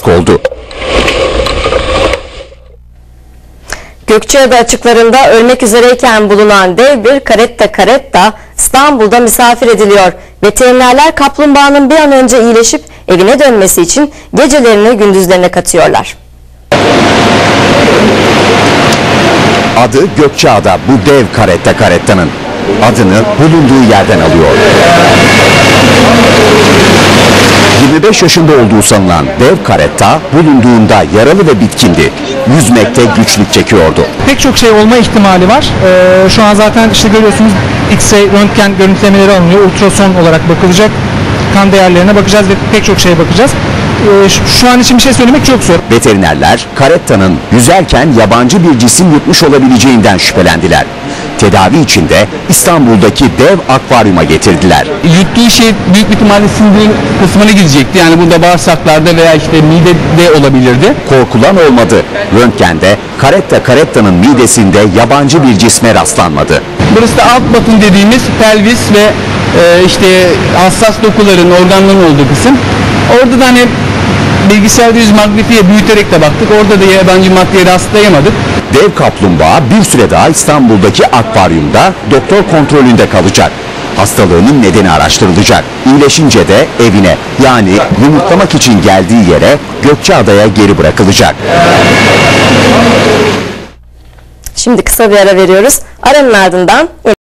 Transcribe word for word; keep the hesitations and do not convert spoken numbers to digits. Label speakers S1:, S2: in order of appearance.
S1: fiyasko oldu.
S2: Gökçeada açıklarında ölmek üzereyken bulunan dev bir karetta karetta İstanbul'da misafir ediliyor. Veterinerler kaplumbağanın bir an önce iyileşip evine dönmesi için gecelerini gündüzlerine katıyorlar.
S1: Adı Gökçeada bu dev karetta karettanın. Adını bulunduğu yerden alıyor. yirmi beş yaşında olduğu sanılan dev karetta bulunduğunda yaralı ve bitkindi. Yüzmekte güçlük çekiyordu.
S3: Pek çok şey olma ihtimali var. Ee, şu an zaten işte görüyorsunuz X-ray röntgen görüntülemeleri alınıyor. Ultrason olarak bakılacak. Kan değerlerine bakacağız ve pek çok şeye bakacağız. Ee, şu an için bir şey söylemek çok zor.
S1: Veterinerler karettanın yüzerken yabancı bir cisim yutmuş olabileceğinden şüphelendiler. Tedavi için de İstanbul'daki dev akvaryuma getirdiler.
S4: Yuttuğu şey büyük bir ihtimalle sindirim kısmına gidecekti. Yani burada bağırsaklarda veya işte midede olabilirdi.
S1: Korkulan olmadı. Röntgende karetta karettanın midesinde yabancı bir cisme rastlanmadı.
S4: Burası da alt batın dediğimiz pelvis ve e, işte hassas dokuların, organların olduğu kısım. Orada da hani bilgisayarda yüz magnifiye büyüterek de baktık. Orada da yabancı maddeye rastlayamadık.
S1: Dev kaplumbağa bir süre daha İstanbul'daki akvaryumda doktor kontrolünde kalacak. Hastalığının nedeni araştırılacak. İyileşince de evine, yani yumurtlamak için geldiği yere Gökçeada'ya geri bırakılacak.
S2: Şimdi kısa bir ara veriyoruz. Aranın ardından